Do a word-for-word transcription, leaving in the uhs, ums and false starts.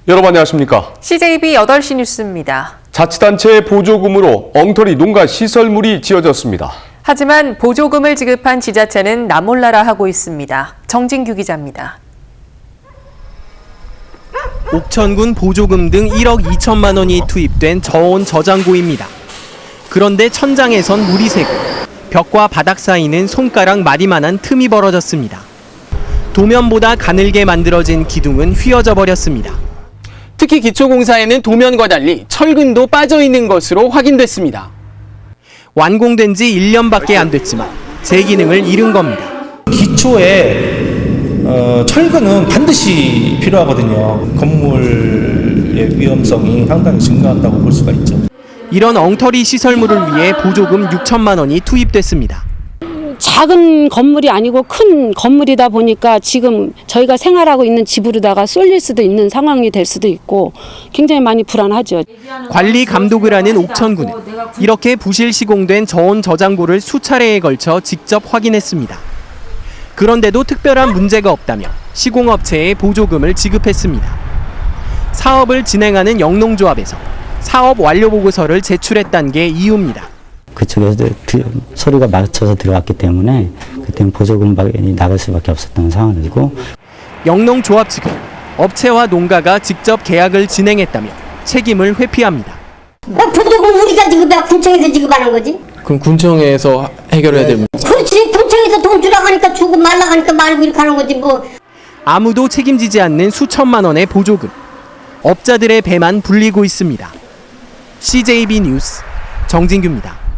여러분 안녕하십니까? 씨제이비 여덟 시 뉴스입니다. 자치단체 보조금으로 엉터리 농가 시설물이 지어졌습니다. 하지만 보조금을 지급한 지자체는 나몰라라 하고 있습니다. 정진규 기자입니다. 옥천군 보조금 등 일억 이천만 원이 투입된 저온 저장고입니다. 그런데 천장에선 물이 새고 벽과 바닥 사이는 손가락 마디만한 틈이 벌어졌습니다. 도면보다 가늘게 만들어진 기둥은 휘어져 버렸습니다. 특히 기초공사에는 도면과 달리 철근도 빠져 있는 것으로 확인됐습니다. 완공된 지 일 년밖에 안 됐지만 제 기능을 잃은 겁니다. 기초에 어, 철근은 반드시 필요하거든요. 건물의 위험성이 상당히 증가한다고 볼 수가 있죠. 이런 엉터리 시설물을 위해 보조금 육천만 원이 투입됐습니다. 작은 건물이 아니고 큰 건물이다 보니까 지금 저희가 생활하고 있는 집으로다가 쏠릴 수도 있는 상황이 될 수도 있고 굉장히 많이 불안하죠. 관리 감독을 하는 옥천군은 이렇게 부실 시공된 저온 저장고를 수차례에 걸쳐 직접 확인했습니다. 그런데도 특별한 문제가 없다며 시공업체에 보조금을 지급했습니다. 사업을 진행하는 영농조합에서 사업 완료 보고서를 제출했다는 게 이유입니다. 그쪽에서 서류가 맞춰서 들어갔기 때문에 그때는 보조금이 나갈 수밖에 없었던 상황이고, 영농조합 측은 업체와 농가가 직접 계약을 진행했다며 책임을 회피합니다. 보조금 우리가 지급해 군청에서 지급하는 거지? 그럼 군청에서 해결해야 됩니다. 그렇지, 군청에서 돈 주라고 하니까 주고 말라고 하니까 말고 이렇게 하는 거지 뭐. 아무도 책임지지 않는 수천만 원의 보조금. 업자들의 배만 불리고 있습니다. 씨제이비 뉴스 정진규입니다.